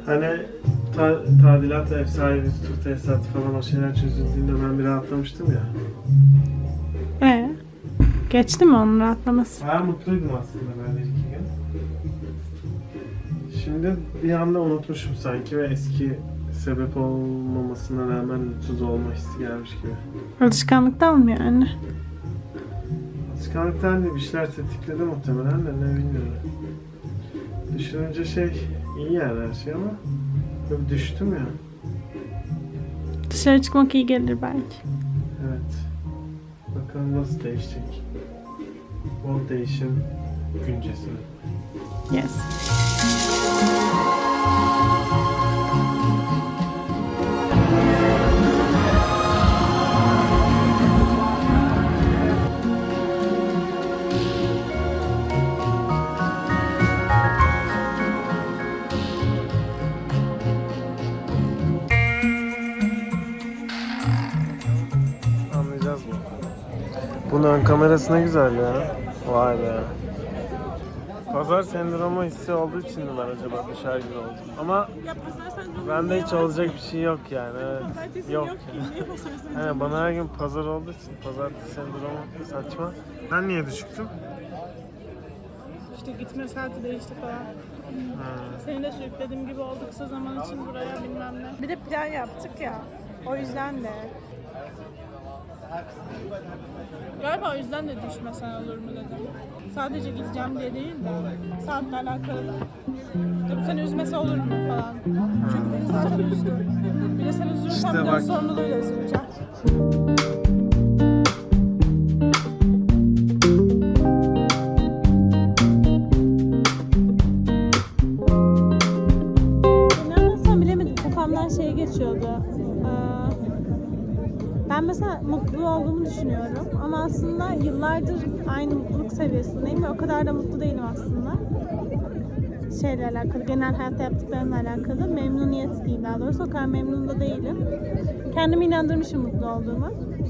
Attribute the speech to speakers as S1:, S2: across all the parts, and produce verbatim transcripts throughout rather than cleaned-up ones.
S1: Hani ta tadilat, ev sahibi, tur tesisatı falan o şeyler çözüldüğünde ben bir rahatlamıştım ya.
S2: Ee, geçti mi onun rahatlaması?
S1: Bayağı mutluydum aslında böyle iki gün. Şimdi bir anda unutmuşum sanki ve eski sebep olmamasına rağmen mutsuz olma hissi gelmiş gibi.
S2: Alışkanlıktan mı yani?
S1: Alışkanlıktan değil, bir şeyler tetikledi muhtemelen de ne bilmiyorum. Düşününce şey iyi yani her şey ama böyle düştüm ya.
S2: Dışarı çıkmak iyi gelir belki.
S1: Evet. Bakalım nasıl değişecek. O değişim güncesi.
S2: Yes.
S1: Anlayacağız mı? Bunun ön kamerası ne güzel ya. Vay be. Pazar sendromu hissi olduğu için mi ben acaba dışarı gibi oldum? Ama bende hiç olacak bir şey yok yani. Evet. Yok. Yani bana her gün pazar olduğu için pazartesi sendromu saçma. Ben niye düşüktüm?
S2: İşte gitme saati değişti falan.
S1: Ha.
S2: Seni de sürüklediğim gibi oldu kısa zaman için buraya bilmem ne. Bir de plan yaptık ya. O yüzden de. Galiba o yüzden de düşmesen olur mu dedim. Sadece gideceğim diye değil de saatle alakalı da. İşte bu seni üzmesi olur mu falan. Çünkü beni zaten üzdü. Bir de sen üzülürsen
S1: İşte
S2: bir de o
S1: bak.
S2: sorumluluğuyla üzüleceğim. Ne anlatsam bilemedim. Kafamdan şey geçiyordu. Ee, Ben mesela mutlu olduğumu düşünüyorum ama aslında yıllardır aynı mutluluk seviyesindeyim ve o kadar da mutlu değilim aslında. Şeyle alakalı, genel hayatta yaptıklarımla alakalı. Memnuniyet değil daha doğrusu, o kadar memnun da değilim. Kendimi inandırmışım mutlu olduğumu.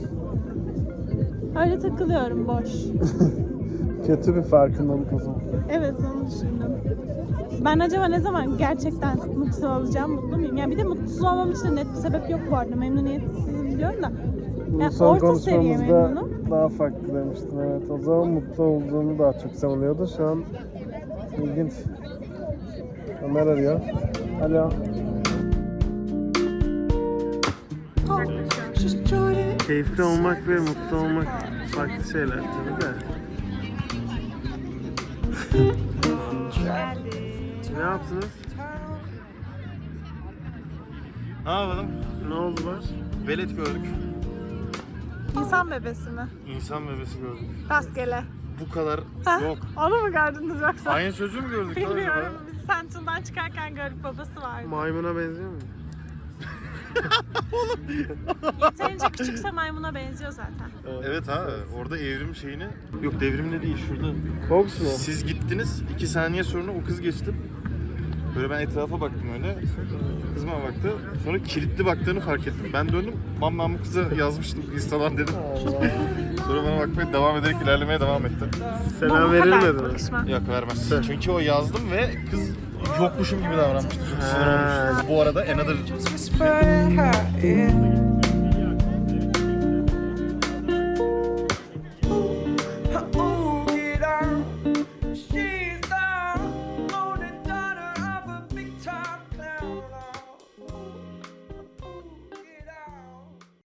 S2: Öyle takılıyorum boş.
S1: Kötü bir farkındalık o zaman.
S2: Evet, onu düşündüm. Ben acaba ne zaman gerçekten mutlu olacağım, mutlu muyum? Yani bir de mutsuz olmam için de net bir sebep yok bu arada. Memnuniyetsizim diyorum da.
S1: Bu
S2: Yani
S1: son
S2: orta seviye
S1: konuşmamızda
S2: memnunum.
S1: daha farklı demiştin, evet. O zaman mutlu olduğunu daha çok savunuyordu. Şu an ilginç. Ömer arıyor. Alo. Keyifli olmak ve mutlu olmak farklı şeyler tabii de. Ne yaptınız?
S3: Ne yapalım?
S1: Ne oldu var?
S3: Velet gördük.
S2: İnsan bebesi mi?
S3: İnsan bebesi gördük.
S2: Rastgele.
S3: Bu kadar
S2: Ha?
S3: yok.
S2: Onu mu gördünüz yoksa?
S3: Aynı çocuğu mu gördük? lan
S2: Bilmiyorum.
S3: acaba?
S2: Biz Central'dan çıkarken gördük, babası vardı.
S1: Maymuna benziyor mu?
S2: Yeterince küçükse maymuna benziyor zaten.
S3: Evet ha, orada evrim şeyini... Yok devrimde değil, şurada.
S1: Fox mu?
S3: Siz gittiniz, iki saniye sonra o kız geçti. Böyle ben etrafa baktım öyle. Kız bana baktı. Sonra kilitli baktığını fark ettim. Ben döndüm. Mam ben bu kıza yazmıştım Instagram dedim. Sonra bana bakmaya devam ederek ilerlemeye devam etti.
S1: Selam verilmedi mi?
S3: Yok vermez. Çünkü o yazdım ve kız yokmuşum gibi davranmıştı. Çok sinir olmuştu. Bu arada Another
S4: Whisper in her ear.